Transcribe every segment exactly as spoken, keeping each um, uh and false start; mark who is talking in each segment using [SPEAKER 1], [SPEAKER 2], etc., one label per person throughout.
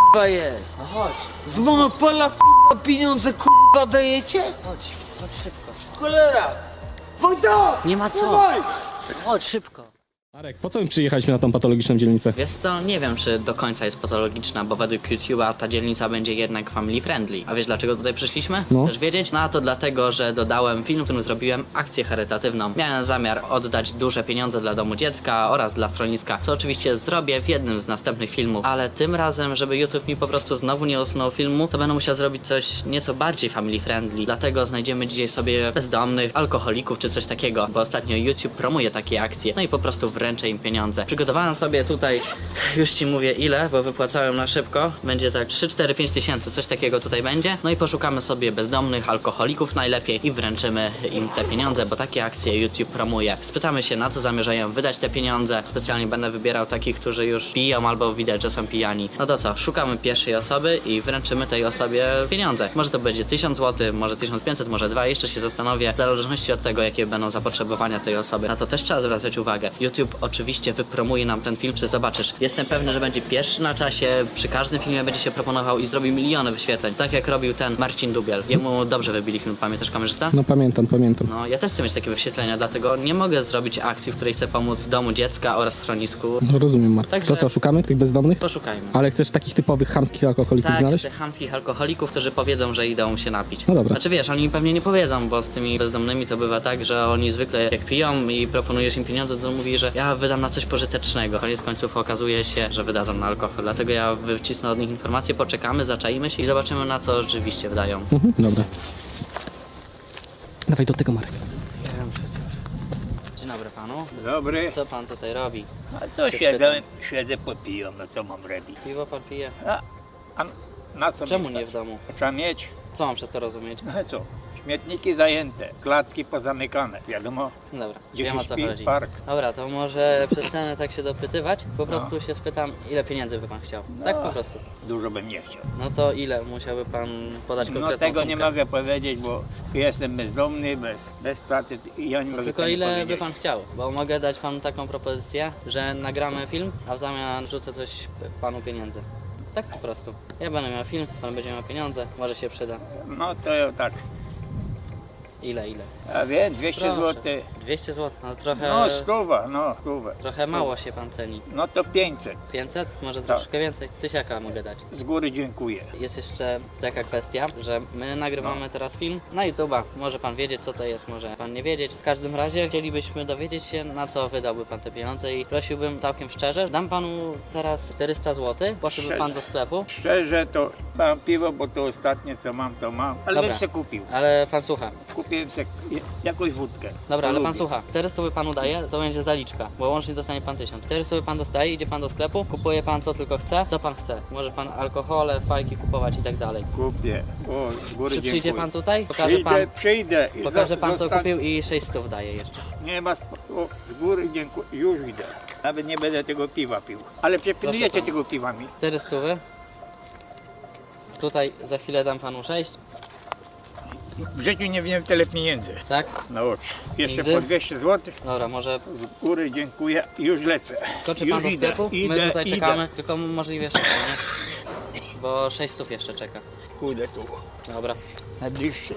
[SPEAKER 1] k***a jest?
[SPEAKER 2] No chodź,
[SPEAKER 1] Z Monopola k***a pieniądze k***a dajecie?
[SPEAKER 2] chodź, chodź szybko.
[SPEAKER 1] Cholera! Wojda!
[SPEAKER 2] Nie ma co.
[SPEAKER 1] Dawaj!
[SPEAKER 2] Chodź szybko.
[SPEAKER 3] Marek, po co my przyjechaliśmy na tą patologiczną dzielnicę?
[SPEAKER 2] Wiesz co, nie wiem czy do końca jest patologiczna, bo według YouTube'a ta dzielnica będzie jednak family friendly. A wiesz dlaczego tutaj przyszliśmy?
[SPEAKER 3] No.
[SPEAKER 2] Chcesz wiedzieć? No a to dlatego, że dodałem film, w którym zrobiłem akcję charytatywną. Miałem zamiar oddać duże pieniądze dla domu dziecka oraz dla schroniska, co oczywiście zrobię w jednym z następnych filmów. Ale tym razem, żeby YouTube mi po prostu znowu nie usunął filmu, to będę musiał zrobić coś nieco bardziej family friendly. Dlatego znajdziemy dzisiaj sobie bezdomnych, alkoholików czy coś takiego, bo ostatnio YouTube promuje takie akcje. No i po prostu wręczę im pieniądze. Przygotowałem sobie tutaj, już ci mówię ile, bo wypłacałem na szybko. Będzie tak trzy, cztery, pięć tysięcy, coś takiego tutaj będzie. No i poszukamy sobie bezdomnych, alkoholików najlepiej i wręczymy im te pieniądze, bo takie akcje YouTube promuje. Spytamy się, na co zamierzają wydać te pieniądze. Specjalnie będę wybierał takich, którzy już piją albo widać, że są pijani. No to co, szukamy pierwszej osoby i wręczymy tej osobie pieniądze. Może to będzie tysiąc złotych, może tysiąc pięćset, może dwa, jeszcze się zastanowię, w zależności od tego, jakie będą zapotrzebowania tej osoby. Na to też trzeba zwracać uwagę. YouTube oczywiście wypromuje nam ten film, czy zobaczysz. Jestem pewny, że będzie pierwszy na czasie, przy każdym filmie będzie się proponował i zrobi miliony wyświetleń. Tak jak robił ten Marcin Dubiel. Jemu dobrze wybili film, pamiętasz kamerzysta?
[SPEAKER 3] No pamiętam, pamiętam.
[SPEAKER 2] No, ja też chcę mieć takie wyświetlenia, dlatego nie mogę zrobić akcji, w której chcę pomóc domu dziecka oraz schronisku.
[SPEAKER 3] No rozumiem, Marek.
[SPEAKER 2] Także-
[SPEAKER 3] To co, szukamy tych bezdomnych?
[SPEAKER 2] Poszukajmy.
[SPEAKER 3] Ale chcesz takich typowych chamskich alkoholików
[SPEAKER 2] Tak,
[SPEAKER 3] znaleźć?
[SPEAKER 2] tych chamskich alkoholików, którzy powiedzą, że idą się napić.
[SPEAKER 3] No dobra.
[SPEAKER 2] Znaczy wiesz, oni pewnie nie powiedzą, bo z tymi bezdomnymi to bywa tak, że oni zwykle jak piją i proponujesz im pieniądze, to mówi, że ja wydam na coś pożytecznego. Koniec końców okazuje się, że wydadzą na alkohol. Dlatego ja wycisnę od nich informacje, poczekamy, zaczaimy się i zobaczymy, na co rzeczywiście wydają.
[SPEAKER 3] Mhm, dobra. Dawaj do tego, Marek.
[SPEAKER 2] Wiem przecież. Dzień dobry panu.
[SPEAKER 4] Dobry.
[SPEAKER 2] Co pan tutaj robi?
[SPEAKER 4] A co
[SPEAKER 2] Się
[SPEAKER 4] siedzę, siedzę popijam, no co mam robić?
[SPEAKER 2] Piwo pan pije?
[SPEAKER 4] A, a na co
[SPEAKER 2] Czemu
[SPEAKER 4] mi
[SPEAKER 2] nie
[SPEAKER 4] stać?
[SPEAKER 2] w domu?
[SPEAKER 4] Trzeba mieć,
[SPEAKER 2] Co mam przez to rozumieć?
[SPEAKER 4] no co, śmietniki zajęte, klatki pozamykane, wiadomo,
[SPEAKER 2] Dobra,
[SPEAKER 4] gdzie
[SPEAKER 2] wiem
[SPEAKER 4] się
[SPEAKER 2] o co
[SPEAKER 4] śpi,
[SPEAKER 2] chodzi.
[SPEAKER 4] park.
[SPEAKER 2] Dobra, to może przestanę tak się dopytywać. Po prostu się spytam, ile pieniędzy by pan chciał. Tak
[SPEAKER 4] No.
[SPEAKER 2] po prostu.
[SPEAKER 4] Dużo bym nie chciał.
[SPEAKER 2] No to ile musiałby pan podać konkretną
[SPEAKER 4] No tego
[SPEAKER 2] sumkę?
[SPEAKER 4] nie mogę powiedzieć, bo jestem bezdomny, bez, bez pracy i ja nie
[SPEAKER 2] No
[SPEAKER 4] mogę
[SPEAKER 2] tylko
[SPEAKER 4] tego
[SPEAKER 2] ile by
[SPEAKER 4] powiedzieć.
[SPEAKER 2] pan chciał? Bo mogę dać panu taką propozycję, że nagramy film, a w zamian rzucę coś panu pieniędzy. Tak po prostu. Ja będę miał film, pan będzie miał pieniądze, może się przyda.
[SPEAKER 4] No to ja tak,
[SPEAKER 2] Ile, ile?
[SPEAKER 4] a wiem, dwieście
[SPEAKER 2] Proszę.
[SPEAKER 4] złotych,
[SPEAKER 2] dwieście złotych, no trochę...
[SPEAKER 4] no stuwa, no stówę.
[SPEAKER 2] Trochę mało się pan ceni.
[SPEAKER 4] No to pięćset,
[SPEAKER 2] pięćset? Może
[SPEAKER 4] Tak.
[SPEAKER 2] troszkę więcej? Tysiaka mogę dać.
[SPEAKER 4] z góry dziękuję.
[SPEAKER 2] Jest jeszcze taka kwestia, że my nagrywamy
[SPEAKER 4] No.
[SPEAKER 2] teraz film na YouTube'a. Może pan wiedzieć, co to jest, może pan nie wiedzieć. W każdym razie chcielibyśmy dowiedzieć się, na co wydałby pan te pieniądze i prosiłbym całkiem szczerze, dam panu teraz czterysta złotych, poszedłby pan do sklepu,
[SPEAKER 4] Szczerze to mam piwo, bo to ostatnie co mam, to mam, ale
[SPEAKER 2] Dobra.
[SPEAKER 4] bym se kupił.
[SPEAKER 2] ale pan słucha.
[SPEAKER 4] Kupiłem se jakąś wódkę.
[SPEAKER 2] Dobra,
[SPEAKER 4] To
[SPEAKER 2] ale pan
[SPEAKER 4] lubię.
[SPEAKER 2] słucha. czterysta by panu daje, to będzie zaliczka, bo łącznie dostanie pan tysiąc. czterysta by pan dostaje, idzie pan do sklepu, kupuje pan co tylko chce, co pan chce. Może pan alkohole, fajki kupować i tak dalej.
[SPEAKER 4] Kupię. O, z góry
[SPEAKER 2] Czy przyjdzie
[SPEAKER 4] dziękuję.
[SPEAKER 2] pan tutaj? Pokaże
[SPEAKER 4] Przyjdę,
[SPEAKER 2] pan,
[SPEAKER 4] przyjdę. i
[SPEAKER 2] pokaże
[SPEAKER 4] za-
[SPEAKER 2] pan co
[SPEAKER 4] zostań-
[SPEAKER 2] kupił i sześć stów daje jeszcze.
[SPEAKER 4] Nie ma sp- o, z góry dziękuję. Już idę. Nawet nie będę tego piwa pił. Ale przepilnujecie
[SPEAKER 2] Proszę
[SPEAKER 4] tego piwa mi.
[SPEAKER 2] cztery stówy. Tutaj za chwilę dam panu sześć,
[SPEAKER 4] W życiu nie wziąłem tyle pieniędzy.
[SPEAKER 2] tak?
[SPEAKER 4] Na oczy. Jeszcze
[SPEAKER 2] Nigdy?
[SPEAKER 4] po dwieście złotych.
[SPEAKER 2] Dobra, może
[SPEAKER 4] Z góry dziękuję. Już lecę.
[SPEAKER 2] skoczy
[SPEAKER 4] Już
[SPEAKER 2] pan do
[SPEAKER 4] idę,
[SPEAKER 2] sklepu?
[SPEAKER 4] Idę,
[SPEAKER 2] My tutaj
[SPEAKER 4] idę.
[SPEAKER 2] czekamy, tylko możliwie szybko, nie? Bo sześć stów jeszcze czeka.
[SPEAKER 4] Pójdę tu.
[SPEAKER 2] Dobra.
[SPEAKER 4] Najbliższy.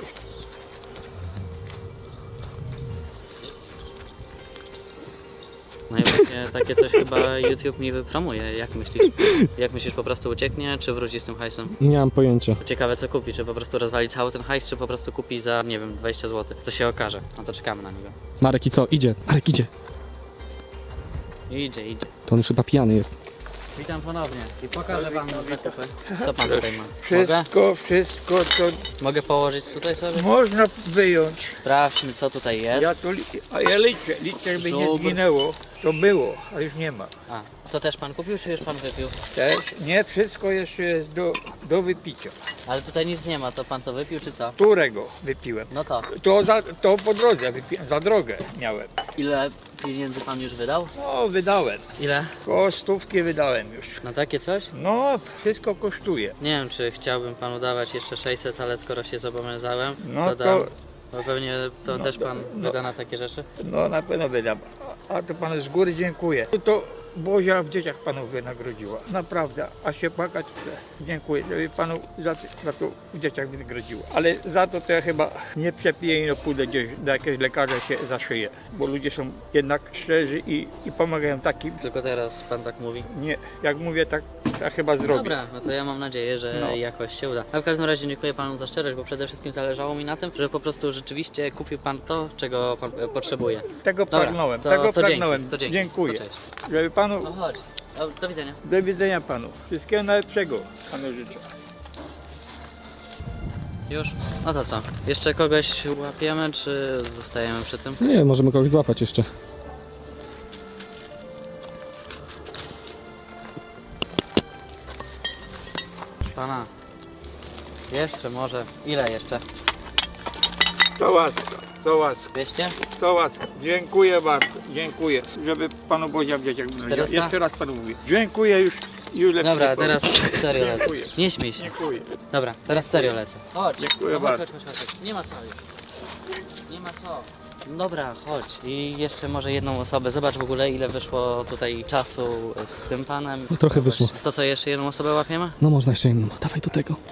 [SPEAKER 2] No i właśnie takie coś chyba YouTube mi wypromuje. Jak myślisz? Jak myślisz, po prostu ucieknie, czy wróci z tym hajsem?
[SPEAKER 3] Nie mam pojęcia.
[SPEAKER 2] Ciekawe co kupi, czy po prostu rozwali cały ten hajs, czy po prostu kupi za, nie wiem, dwadzieścia złotych. To się okaże. No to czekamy na niego.
[SPEAKER 3] Marek i co? Idzie. Marek idzie.
[SPEAKER 2] Idzie, idzie.
[SPEAKER 3] To on już chyba pijany jest.
[SPEAKER 2] Witam ponownie i pokażę panu zakupy. Co pan tutaj ma? Mogę?
[SPEAKER 4] Wszystko, wszystko to
[SPEAKER 2] Mogę położyć tutaj sobie?
[SPEAKER 4] można wyjąć.
[SPEAKER 2] Sprawdźmy co tutaj jest.
[SPEAKER 4] Ja tu, li- a ja liczę, liczę, żeby nie
[SPEAKER 2] Żubr.
[SPEAKER 4] zginęło. To było, a już nie ma.
[SPEAKER 2] A, to też pan kupił, czy już pan wypił?
[SPEAKER 4] Też nie, wszystko jeszcze jest do, do wypicia.
[SPEAKER 2] Ale tutaj nic nie ma, to pan to wypił, czy co?
[SPEAKER 4] Którego wypiłem?
[SPEAKER 2] No to.
[SPEAKER 4] To, za, to po drodze, wypiłem, za drogę miałem.
[SPEAKER 2] Ile pieniędzy pan już wydał?
[SPEAKER 4] No, wydałem.
[SPEAKER 2] Ile?
[SPEAKER 4] Koło stówki wydałem już.
[SPEAKER 2] Na takie coś?
[SPEAKER 4] No, wszystko kosztuje.
[SPEAKER 2] Nie wiem, czy chciałbym panu dawać jeszcze sześćset, ale skoro się zobowiązałem,
[SPEAKER 4] No
[SPEAKER 2] to
[SPEAKER 4] to-
[SPEAKER 2] dam. Bo pewnie to
[SPEAKER 4] No
[SPEAKER 2] też
[SPEAKER 4] to-
[SPEAKER 2] pan
[SPEAKER 4] no.
[SPEAKER 2] wyda na takie rzeczy.
[SPEAKER 4] No, na pewno wydam. A, a to panu z góry dziękuję. To Bozia w dzieciach panu wynagrodziła. Naprawdę, a się płakać, dziękuję, żeby panu za, za to w dzieciach wynagrodziła. Ale za to to ja chyba nie przepiję i no pójdę gdzieś do jakiegoś lekarza się zaszyję. Bo ludzie są jednak szczerzy i, i pomagają takim.
[SPEAKER 2] Tylko teraz pan tak mówi.
[SPEAKER 4] Nie, jak mówię tak, ja chyba zrobię.
[SPEAKER 2] Dobra, no to ja mam nadzieję, że
[SPEAKER 4] No.
[SPEAKER 2] jakoś się uda. A w każdym razie dziękuję panu za szczerość, bo przede wszystkim zależało mi na tym, że po prostu rzeczywiście kupił pan to, czego pan e, potrzebuje.
[SPEAKER 4] Tego
[SPEAKER 2] Dobra,
[SPEAKER 4] pragnąłem,
[SPEAKER 2] to,
[SPEAKER 4] tego
[SPEAKER 2] to
[SPEAKER 4] pragnąłem.
[SPEAKER 2] Dzięki, to dzięki.
[SPEAKER 4] Dziękuję.
[SPEAKER 2] To cześć.
[SPEAKER 4] Żeby panu,
[SPEAKER 2] No chodź. Do, do widzenia.
[SPEAKER 4] do widzenia panu. Wszystkiego najlepszego panu życzę.
[SPEAKER 2] Już? No to co? Jeszcze kogoś łapiemy, czy zostajemy przy tym?
[SPEAKER 3] Nie, możemy kogoś złapać jeszcze.
[SPEAKER 2] Pana. Jeszcze może. Ile jeszcze?
[SPEAKER 4] Co łaska, co łaska,
[SPEAKER 2] dwieście?
[SPEAKER 4] co łaska. Dziękuję bardzo, dziękuję. Żeby panu Bozia w dzieciach wynagrodziła.
[SPEAKER 2] czterysta?
[SPEAKER 4] Jeszcze raz panu mówię. Dziękuję już, już lepiej
[SPEAKER 2] Dobra,
[SPEAKER 4] nie powiem.
[SPEAKER 2] teraz serio lecę.
[SPEAKER 4] Dziękuję.
[SPEAKER 2] Nie śmiej się.
[SPEAKER 4] Dziękuję.
[SPEAKER 2] Dobra, teraz serio lecę. Chodź.
[SPEAKER 4] Dziękuję
[SPEAKER 2] no, chodź,
[SPEAKER 4] bardzo.
[SPEAKER 2] chodź, chodź, chodź. Nie ma co już. Nie ma co. Dobra, chodź. I jeszcze może jedną osobę. Zobacz w ogóle ile wyszło tutaj czasu z tym panem.
[SPEAKER 3] No trochę wyszło.
[SPEAKER 2] To co, jeszcze jedną osobę łapiemy?
[SPEAKER 3] No można jeszcze jedną. Dawaj do tego.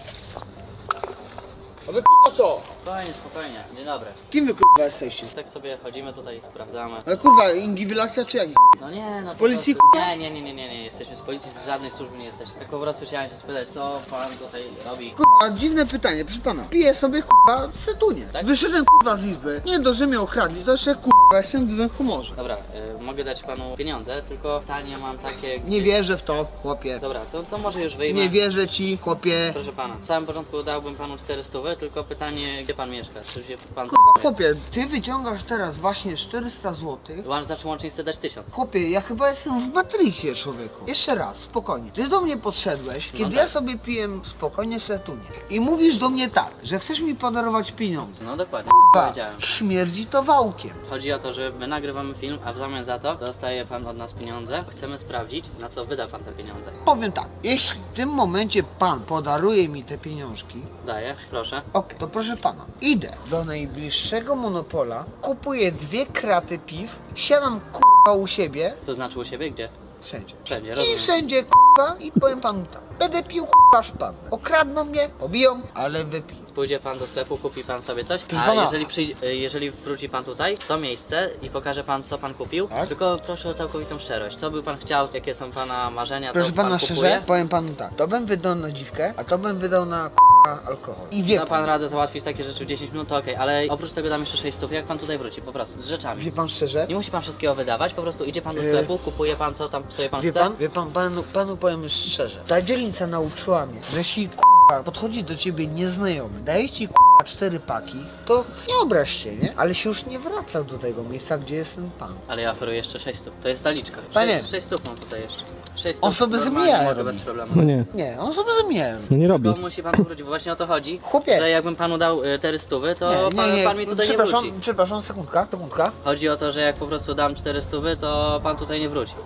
[SPEAKER 1] A wy kurwa co?
[SPEAKER 2] Spokojnie, spokojnie. Dzień dobry.
[SPEAKER 1] Kim wy kurwa jesteście?
[SPEAKER 2] Tak sobie chodzimy tutaj, sprawdzamy.
[SPEAKER 1] Ale kurwa, inwigilacja czy jak?
[SPEAKER 2] No nie, no
[SPEAKER 1] Z
[SPEAKER 2] po
[SPEAKER 1] policji,
[SPEAKER 2] prostu-
[SPEAKER 1] kurwa?
[SPEAKER 2] Nie, nie, nie, nie, nie, nie. Jesteśmy z policji, z żadnej służby nie jesteśmy. Tak po prostu chciałem się spytać, co pan tutaj robi.
[SPEAKER 1] Kurwa, dziwne pytanie, proszę pana. Piję sobie kurwa setunie.
[SPEAKER 2] Tak?
[SPEAKER 1] Wyszedłem kurwa z izby. Nie dość, że mnie okradli, to jeszcze kurwa jestem w złym humorze.
[SPEAKER 2] Dobra, y, mogę dać panu pieniądze, tylko pytanie mam takie...
[SPEAKER 1] Nie wierzę w to, chłopie.
[SPEAKER 2] Dobra, to, to może już wyjmę.
[SPEAKER 1] Nie wierzę ci, chłopie.
[SPEAKER 2] Proszę pana, w samym początku dałbym panu czterysta, tylko pytanie, gdzie pan mieszka? Czy się pan
[SPEAKER 1] Kurwa,
[SPEAKER 2] zajmuje?
[SPEAKER 1] chłopie, ty wyciągasz teraz właśnie czterysta złotych.
[SPEAKER 2] Łącz, znaczy łącznie chcę dać tysiąc.
[SPEAKER 1] Chłopie, ja chyba jestem w Matrixie, człowieku. Jeszcze raz, spokojnie. Ty do mnie podszedłeś, kiedy
[SPEAKER 2] tak.
[SPEAKER 1] ja sobie piję spokojnie setunie. I mówisz do mnie tak, że chcesz mi podarować pieniądze.
[SPEAKER 2] No dokładnie,
[SPEAKER 1] Kurwa,
[SPEAKER 2] powiedziałem.
[SPEAKER 1] śmierdzi to wałkiem.
[SPEAKER 2] Chodzi o to, że my nagrywamy film, a w zamian za to dostaje pan od nas pieniądze. Chcemy sprawdzić, na co wyda pan te pieniądze.
[SPEAKER 1] Powiem tak, jeśli w tym momencie pan podaruje mi te pieniążki,
[SPEAKER 2] Daję, proszę.
[SPEAKER 1] ok, to proszę pana, idę do najbliższego monopola, kupuję dwie kraty piw, siadam kurwa u siebie,
[SPEAKER 2] To znaczy u siebie gdzie?
[SPEAKER 1] wszędzie.
[SPEAKER 2] Wszędzie,
[SPEAKER 1] I
[SPEAKER 2] rozumiem.
[SPEAKER 1] wszędzie kurwa i powiem panu tak, będę pił kurwa aż padnę. Okradną mnie, pobiją, ale wypiję.
[SPEAKER 2] Pójdzie pan do sklepu, kupi pan sobie coś,
[SPEAKER 1] Proszę
[SPEAKER 2] a
[SPEAKER 1] pana.
[SPEAKER 2] jeżeli, przyjdzie, jeżeli wróci pan tutaj, w to miejsce i pokaże pan, co pan kupił,
[SPEAKER 1] Tak?
[SPEAKER 2] tylko proszę o całkowitą szczerość. Co by pan chciał, jakie są pana marzenia,
[SPEAKER 1] Proszę
[SPEAKER 2] to pan
[SPEAKER 1] pana
[SPEAKER 2] kupuje.
[SPEAKER 1] szczerze, powiem panu tak, to bym wydał na dziwkę, a to bym wydał na kurwa alkohol. I wie
[SPEAKER 2] Da pan
[SPEAKER 1] pan,
[SPEAKER 2] radę załatwić takie rzeczy w dziesięć minut, to okej, ale oprócz tego dam jeszcze sześć stów, jak pan tutaj wróci, po prostu, z rzeczami.
[SPEAKER 1] wie pan szczerze,
[SPEAKER 2] Nie musi pan wszystkiego wydawać, po prostu idzie pan do
[SPEAKER 1] Yy.
[SPEAKER 2] sklepu, kupuje pan co tam sobie pan
[SPEAKER 1] wie
[SPEAKER 2] chce.
[SPEAKER 1] pan, wie pan, panu, panu powiem już szczerze, ta dzielnica nauczyła mnie, że jeśli kurwa podchodzi do ciebie nieznajomy, daje ci kurwa cztery paki, to nie obraź się, nie? Ale się już nie wraca do tego miejsca, gdzie jest ten pan.
[SPEAKER 2] Ale ja oferuję jeszcze sześć stów, to jest zaliczka.
[SPEAKER 1] Panie.
[SPEAKER 2] sześć stów mam tutaj jeszcze. sześć
[SPEAKER 1] On
[SPEAKER 2] stów
[SPEAKER 1] sobie
[SPEAKER 2] normalnie
[SPEAKER 1] zamijaja
[SPEAKER 2] mogę
[SPEAKER 1] robi.
[SPEAKER 2] bez problemu.
[SPEAKER 3] No nie,
[SPEAKER 1] Nie, on sobie zamieniał.
[SPEAKER 3] no nie robi.
[SPEAKER 2] Tylko musi pan wrócić, bo właśnie o to chodzi,
[SPEAKER 1] Chłopie.
[SPEAKER 2] że jakbym panu dał y, cztery stówy, to
[SPEAKER 1] Nie,
[SPEAKER 2] pan,
[SPEAKER 1] nie, nie,
[SPEAKER 2] pan mi tutaj nie
[SPEAKER 1] przepraszam,
[SPEAKER 2] wróci.
[SPEAKER 1] przepraszam, sekundka, sekundka.
[SPEAKER 2] Chodzi o to, że jak po prostu dam cztery stówy, to pan tutaj nie wróci.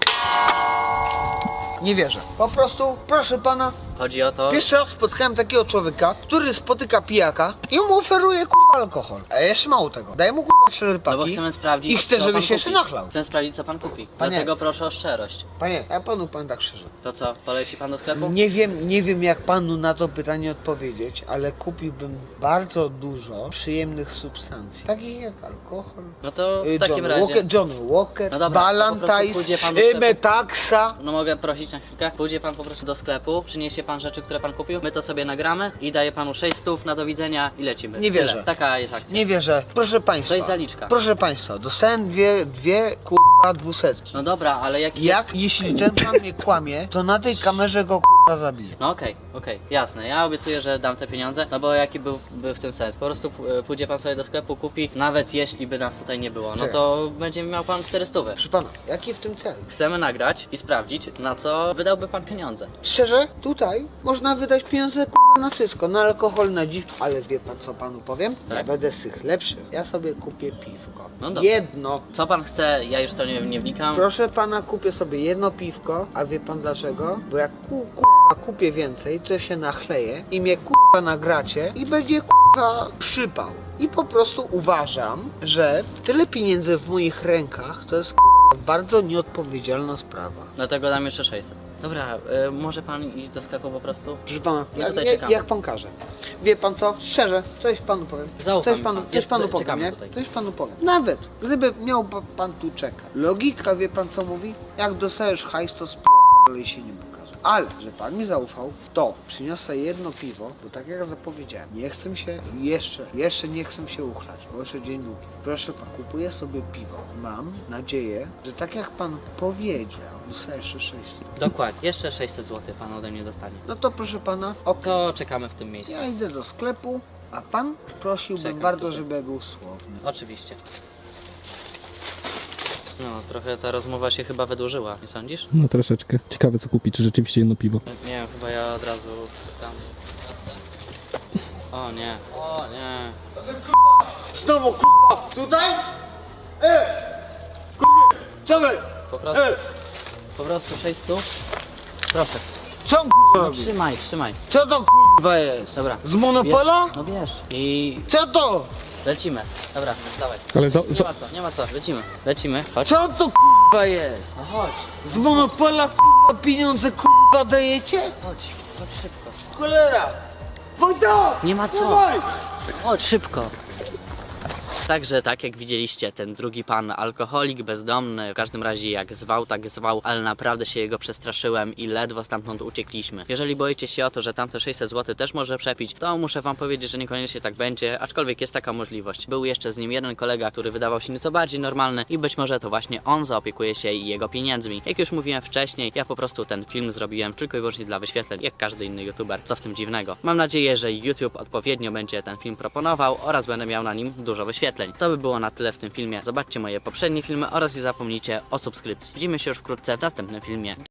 [SPEAKER 1] Nie wierzę. Po prostu, proszę pana,
[SPEAKER 2] Chodzi o to,
[SPEAKER 1] pierwszy raz spotkałem takiego człowieka, który spotyka pijaka i mu oferuje kurwa alkohol. A jeszcze mało tego, daje mu kurwa cztery
[SPEAKER 2] no bo
[SPEAKER 1] paki
[SPEAKER 2] chcemy sprawdzić,
[SPEAKER 1] i chcę,
[SPEAKER 2] co
[SPEAKER 1] żeby
[SPEAKER 2] pan
[SPEAKER 1] się jeszcze
[SPEAKER 2] kupi.
[SPEAKER 1] nachlał.
[SPEAKER 2] Chcę sprawdzić, co pan kupi.
[SPEAKER 1] Panie.
[SPEAKER 2] Dlatego proszę o szczerość.
[SPEAKER 1] Panie, ja panu powiem tak szczerze.
[SPEAKER 2] To co, poleci pan do sklepu?
[SPEAKER 1] Nie wiem, nie wiem jak panu na to pytanie odpowiedzieć, ale kupiłbym bardzo dużo przyjemnych substancji, takich jak alkohol,
[SPEAKER 2] No to
[SPEAKER 1] y,
[SPEAKER 2] w takim
[SPEAKER 1] Johnny
[SPEAKER 2] razie...
[SPEAKER 1] Walker, Johnny Walker,
[SPEAKER 2] No dobra, to po prostu
[SPEAKER 1] Balantais,
[SPEAKER 2] pójdzie pan do
[SPEAKER 1] y,
[SPEAKER 2] sklepu.
[SPEAKER 1] Metaxa.
[SPEAKER 2] No mogę prosić na chwilkę? Pójdzie pan po prostu do sklepu, przyniesie pan rzeczy, które pan kupił, my to sobie nagramy i daje panu sześć stów na do widzenia i lecimy.
[SPEAKER 1] Nie
[SPEAKER 2] Tyle.
[SPEAKER 1] wierzę.
[SPEAKER 2] Taka jest akcja.
[SPEAKER 1] Nie wierzę. Proszę państwa.
[SPEAKER 2] To jest zaliczka.
[SPEAKER 1] Proszę państwa, dostałem dwie, dwie kurwa dwusetki.
[SPEAKER 2] No dobra, ale jaki
[SPEAKER 1] Jak
[SPEAKER 2] jest...
[SPEAKER 1] jeśli ten pan mnie kłamie, to na tej kamerze go kurwa zabiję.
[SPEAKER 2] No okej, okej, jasne. Ja obiecuję, że dam te pieniądze, no bo jaki był, był w tym sens? Po prostu p- pójdzie pan sobie do sklepu, kupi, nawet jeśli by nas tutaj nie było, no
[SPEAKER 1] Czekaj.
[SPEAKER 2] to będzie miał pan czterysta.
[SPEAKER 1] Proszę pana, jaki w tym cel?
[SPEAKER 2] Chcemy nagrać i sprawdzić, na co wydałby pan pieniądze.
[SPEAKER 1] Szczerze, tutaj można wydać pieniądze kurwa na wszystko, na alkohol, na dziwki, ale wie pan co panu powiem? Ja
[SPEAKER 2] Tak.
[SPEAKER 1] będę z tych lepszych. Ja sobie kupię piwko.
[SPEAKER 2] No dobra.
[SPEAKER 1] Jedno.
[SPEAKER 2] Co pan chce, ja już to nie, nie wnikam.
[SPEAKER 1] Proszę pana, kupię sobie jedno piwko, a wie pan dlaczego? Bo jak ku, kurwa kupię więcej, to się nachleję i mnie kurwa nagracie i będzie kurwa przypał. I po prostu uważam, że tyle pieniędzy w moich rękach to jest kurwa bardzo nieodpowiedzialna sprawa.
[SPEAKER 2] Dlatego dam jeszcze sześćset. Dobra, y, może pan iść do sklepu po prostu?
[SPEAKER 1] Proszę pana,
[SPEAKER 2] My
[SPEAKER 1] jak,
[SPEAKER 2] tutaj
[SPEAKER 1] jak,
[SPEAKER 2] czekamy.
[SPEAKER 1] jak pan każe. Wie pan co? Szczerze, coś panu powiem.
[SPEAKER 2] Zaufam
[SPEAKER 1] Coś panu,
[SPEAKER 2] pan.
[SPEAKER 1] coś panu
[SPEAKER 2] Jest-
[SPEAKER 1] powiem,
[SPEAKER 2] czekamy
[SPEAKER 1] nie?
[SPEAKER 2] tutaj.
[SPEAKER 1] Coś panu powiem. Nawet gdyby miał pa- pan tu czekać. Logika, wie pan co mówi? Jak dostajesz hajs, to sp***dolej się nie pokaże. Ale, że pan mi zaufał, to przyniosę jedno piwo, bo tak jak zapowiedziałem, nie chcę się jeszcze, jeszcze nie chcę się uchlać, bo jeszcze dzień długi. Proszę pan, kupuję sobie piwo. Mam nadzieję, że tak jak pan powiedział, dostaję jeszcze sześćset.
[SPEAKER 2] Dokładnie, jeszcze sześćset złotych pan ode mnie dostanie.
[SPEAKER 1] No to proszę pana, okej.
[SPEAKER 2] To czekamy w tym miejscu.
[SPEAKER 1] Ja idę do sklepu, a pan prosiłbym
[SPEAKER 2] Czekam
[SPEAKER 1] bardzo,
[SPEAKER 2] tutaj.
[SPEAKER 1] żeby był słowny.
[SPEAKER 2] Oczywiście. No, trochę ta rozmowa się chyba wydłużyła, nie sądzisz?
[SPEAKER 3] No troszeczkę. Ciekawe co kupić, czy rzeczywiście jedno piwo.
[SPEAKER 2] Nie wiem, chyba ja od razu tam... O nie, o nie.
[SPEAKER 1] Znowu kurwa, tutaj? E! Kurwa, co wy?
[SPEAKER 2] Po prostu,
[SPEAKER 1] E!
[SPEAKER 2] po prostu sześć stów. Proszę,
[SPEAKER 1] Co on kurwa robi?
[SPEAKER 2] trzymaj, trzymaj.
[SPEAKER 1] Co to kurwa jest?
[SPEAKER 2] Dobra.
[SPEAKER 1] Z Monopola?
[SPEAKER 2] Bierz, no bierz. I
[SPEAKER 1] Co to?
[SPEAKER 2] lecimy. Dobra, dawaj.
[SPEAKER 3] Ale za,
[SPEAKER 2] Nie
[SPEAKER 3] za,
[SPEAKER 2] ma co, nie ma co, lecimy. Lecimy, chodź.
[SPEAKER 1] Co to kurwa jest?
[SPEAKER 2] No chodź,
[SPEAKER 1] Z Monopola kurwa pieniądze kurwa dajecie?
[SPEAKER 2] chodź, chodź szybko.
[SPEAKER 1] Cholera! Wojta!
[SPEAKER 2] Nie ma co.
[SPEAKER 1] Dawaj!
[SPEAKER 2] Chodź szybko. Także tak jak widzieliście, ten drugi pan, alkoholik, bezdomny, w każdym razie jak zwał, tak zwał, ale naprawdę się jego przestraszyłem i ledwo stamtąd uciekliśmy. Jeżeli boicie się o to, że tamte sześćset złotych też może przepić, to muszę wam powiedzieć, że niekoniecznie tak będzie, aczkolwiek jest taka możliwość. Był jeszcze z nim jeden kolega, który wydawał się nieco bardziej normalny i być może to właśnie on zaopiekuje się jego pieniędzmi. Jak już mówiłem wcześniej, ja po prostu ten film zrobiłem tylko i wyłącznie dla wyświetleń, jak każdy inny youtuber. Co w tym dziwnego? Mam nadzieję, że YouTube odpowiednio będzie ten film proponował oraz będę miał na nim dużo wyświetleń. To by było na tyle w tym filmie. Zobaczcie moje poprzednie filmy oraz nie zapomnijcie o subskrypcji. Widzimy się już wkrótce w następnym filmie.